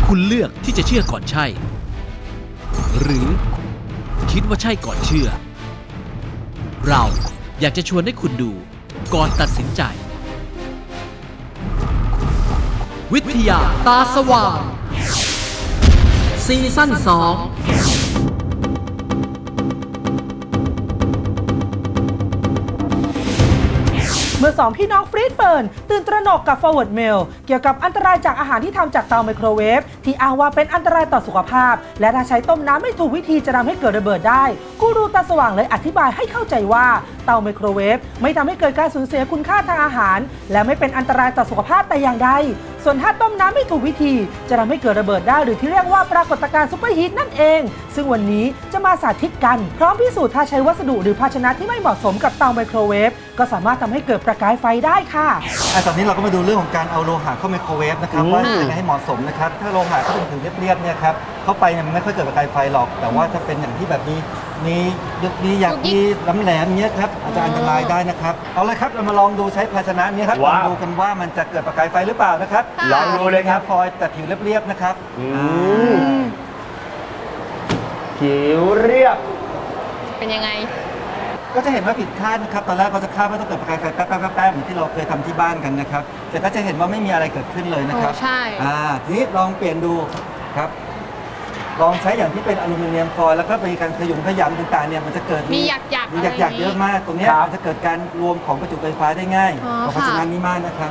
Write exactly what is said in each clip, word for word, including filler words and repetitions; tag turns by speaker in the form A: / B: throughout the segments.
A: คุณเลือกที่จะเชื่อก่อนใช่ หรือคิดว่าใช่ก่อนเชื่อ เราอยากจะชวนให้คุณดูก่อนตัดสินใจ วิทยาตาสว่างซีซั่นสอง
B: เมื่อสองพี่น้องฟรีดเฟิร์นตื่นตระหนกกับ Forward Mail เกี่ยวกับอันตรายจากอาหารที่ทำจากเตาไมโครเวฟที่อ้างว่าเป็นอันตรายต่อสุขภาพและถ้าใช้ต้มน้ำไม่ถูกวิธีจะทำให้เกิดระเบิดได้กูรูตาสว่างเลยอธิบายให้เข้าใจว่าเตาไมโครเวฟไม่ทำให้เกิดการสูญเสียคุณค่าทางอาหารและไม่เป็นอันตรายต่อสุขภาพแต่อย่างใดส่วนถ้าต้มน้ำไม่ถูกวิธีจะทำให้เกิดระเบิดได้หรือที่เรียกว่าปรากฏการณ์ซุปเปอร์ฮีทนั่นเองซึ่งวันนี้จะมาสาธิตกันพร้อมพิสูจน์ถ้าใช้วัสดุหรือภาชนะที่ไม่เหมาะสมกับเตาไมโครเวฟก็สามารถทำให้เกิดประกายไฟได้ค่ะ
C: อ่ะตอนนี้เราก็มาดูเรื่องของการเอาโลหะเข้าไมโครเวฟนะครับว่าจะยังไงให้เหมาะสมนะครับถ้าโลหะเขาเป็นผิวเรียบๆเนี่ยครับเข้าไปเนี่ยมันไม่ค่อยเกิดประกายไฟหรอกแต่ว่าถ้าเป็นอย่างที่แบบนี้มียุกนี้อยากมีล้ำแหลมเนี้ยครับอาจจะอันตรายได้นะครับเอาเลยครับเรามาลองดูใช้ภาชนะนี้ครับลองดูกันว่ามันจะเกิดประกายไฟหรือเปล่านะครับ
D: ลองดูเลยครับ
C: ฟอยล์แต่ผิวเรียบๆนะครับ
D: ผิวเรียบ
E: เป็นยังไง
C: ก็จะเห็นว่าผิดคาดนะครับตอนแรกเราจะคาดว่าต้องเกิดประกายไฟแป๊บๆๆเหมือนที่เราเคยทำที่บ้านกันนะครับแต่ก็จะเห็นว่าไม่มีอะไรเกิดขึ้นเลยนะครับ
E: ใช่
C: อ่าทีนี้ลองเปลี่ยนดูครับลองใช้อย่างที่เป็นอลูมิเนียมฟอยล์แล้วก็มีการขยุมขยำต่างๆเนี่ยมันจะเกิด
E: มีหยักหยัก
C: มีหยักหยักเยอะมากตรงนี้มันจะเกิดการรวมของประจุไฟฟ้าได้ง่ายเพราะฉะนั้นนี้มากนะครับ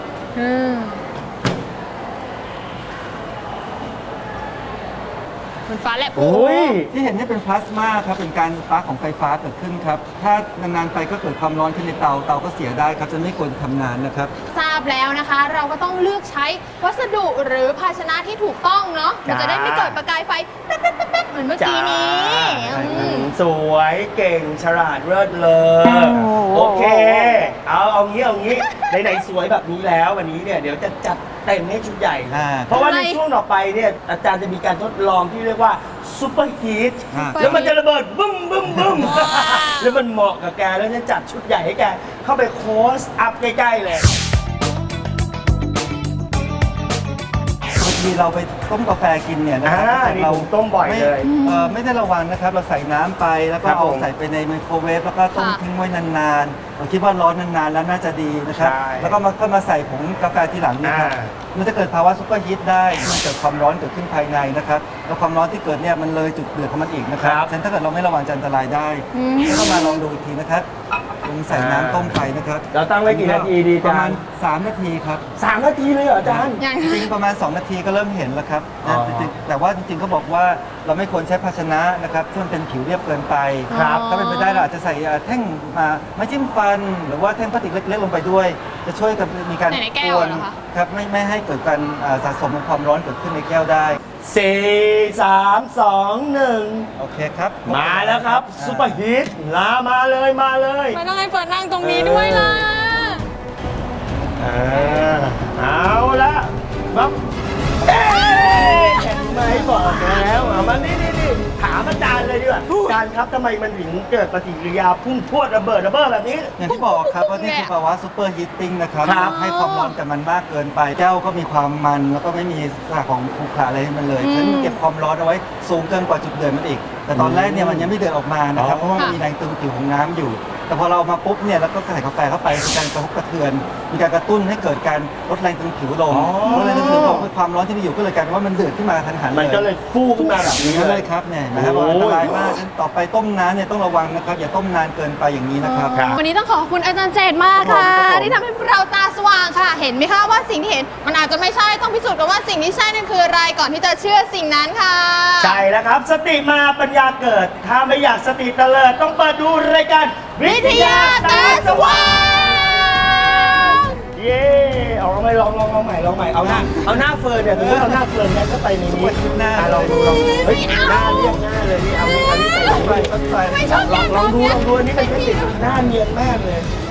E: มันฟ้าแลบ
C: ที่เห็นนี่เป็นพลาสมาครับเป็นการสปาร์คของไฟฟ้าเกิดขึ้นครับถ้านานๆไปก็เกิดความร้อนขึ้นในเตาเตาก็เสียได้ครับจะไม่ควรทำนานนะครับ
E: ทราบแล้วนะคะเราก็ต้องเลือกใช้วัสดุหรือภาชนะที่ถูกต้องเนาะมันจะได้ไม่เกิดประกายไฟแป๊บๆๆเหมือนเมื่อกี้นี้
D: สวยเก่งฉลาดเลิศเลยโอเคเอาเอางี้เอางี้ไหนๆสวยแบบนี้แล้ววันนี้เนี่ยเดี๋ยวจะจัดเต็มให้ชุดใหญ่เพราะว่าในช่วงต่อไปเนี่ยอาจารย์จะมีการทดลองที่เรียกว่าซุปเปอร์ฮีทแล้วมันจะระเบิดบึ้มบึ้มบึ้มแล้วมันเหมาะกับแกแล้วจะจัดชุดใหญ่ให้แกเข้าไปโค้ชอัพใกล้ๆเลย
C: บางทีเราไปต้มกาแฟกินเนี่ยนะครับ
D: เราต้มบ่อยเลย
C: ไม่ได้ระวังนะครับเราใส่น้ำไปแล้วก็เอาใส่ไปในไมโครเวฟแล้วก็ต้มทิ้งไว้นานๆเราคิดว่าร้อนนานๆแล้วน่าจะดีนะครับแล้วก็มาก็มาใส่ผงกาแฟทีหลังนี่ครับมันจะเกิดภาวะซุปเปอร์ฮีทได้มันเกิดความร้อนเกิดขึ้นภายในนะครับแล้วความร้อนที่เกิดเนี่ยมันเลยจุดเดือดของมันอีกนะครับฉะนั้นถ้าเกิดเราไม่ระวังจะอันตรายได้ก็มาลองดูอีกทีนะครับลงใส่น้ำต้มไปนะครับ
D: เราตั้งไว้กี่นาทีดี
C: ประมาณสามนาทีครับ
D: สามนาทีเลยเหรออาจารย์
C: จริงประมาณสองนาทีก็เริ่มเห็นแล้วครับแต่ว่าจริงๆเขาบอกว่าเราไม่ควรใช้ภาชนะนะครับที่มันเป็นผิวเรียบเกินไปครับถ้าเป็นไปได้เราอาจจะใส่แท่งมาไม้จิ้มฟันหรือว่าแท่งพลาสติกเล็กๆลงไปด้วยจะช่วยกับมีการกวนครับไม่ไม่ให้เกิดการสะสมของความร้อนเกิดขึ้นในแก้วได้
D: สี่สามสองหนึ่ง
C: โอเคครับ
D: มาแล้วครับซุปเปอร์ฮีทลามาเลยมาเลย
E: ไม่ต้องให้เปิดนั่งตรงนี้ด้วยล่ะ
D: เอาละครับเอ๊ะเห็นไหมบอกแล้วเอามานี่นี่นี่ถามอาจารย์เลยดีกว่าอาจารย์ครับทำไมมันถึงเกิดปฏิกิริยาพุ่งพรวดระเบิดระเบ้อแบบนี้
C: อย่างที่บอกครับว่านี่คือภาวะซูเปอร์ฮีทติ้งนะครับให้ความร้อนกับมันมากเกินไปแก้วก็มีความมันแล้วก็ไม่มีสารของขรุขระอะไรให้มันเลยฉะนั้นเก็บความร้อนเอาไว้สูงเกินกว่าจุดเดือดมันอีกแต่ตอนแรกเนี่ยมันยังไม่เดือดออกมานะครับเพราะว่ามันมีแรงตึงผิวของน้ำอยู่แต่พอเราเอามาปุ๊บเนี่ยแล้วก็ใส่กาแฟเข้าไปมีการกระทบกระเทือนมีการกระตุ้นให้เกิดการลดแรงตึงผิวลงลดแรงตึงผิวลงความร้อนที่มีอยู่ก็เลยกลายเป็นว่ามันเดือดขึ้นมาทันหันเลย
D: มันก็เลยฟูขึ้นมาแบบนี้
C: เลยครับเนี่ยนะครับอันตรายมากต่อไปต้มน้ำเนี่ยต้องระวังนะครับอย่าต้มนานเกินไปอย่างนี้นะครับ
E: วันนี้ต้องขอบคุณอาจารย์เจตมากค่ะที่ทำให้เราตาสว่างค่ะเห็นไหมคะว่าสิ่งที่เห็นมันอาจจะไม่ใช่ต้องพิสูจน์กันว่าสิ่งที่ใช่นั่นคืออะไรก่อนที่จะเชื่อสิ่งนั้นค่ะ
D: ใช่แล้วครับสติมาปัญญาเกิดถ้าไม่อยากสติเตลิดต้องเปิดดูรายการ
E: วิทยาตาสว่าง
D: เย่เอาลองใหม่ลองลองลองใหม่ลองใหม่เอาหน้าเอาหน้าเฟิร์นเนี่ยถือว่าเอาหน้าเฟิร์นเนี่ยก็ไปในนี้
C: หน้า
D: ลองดูลองเฮ้ยหน้าเรียบหน้าเลยนี่เอานี่เอานี่ใส่ลงไปลองลองดูลองดูอันนี้เป็นเทคนิคหน้าเนียนมากเลย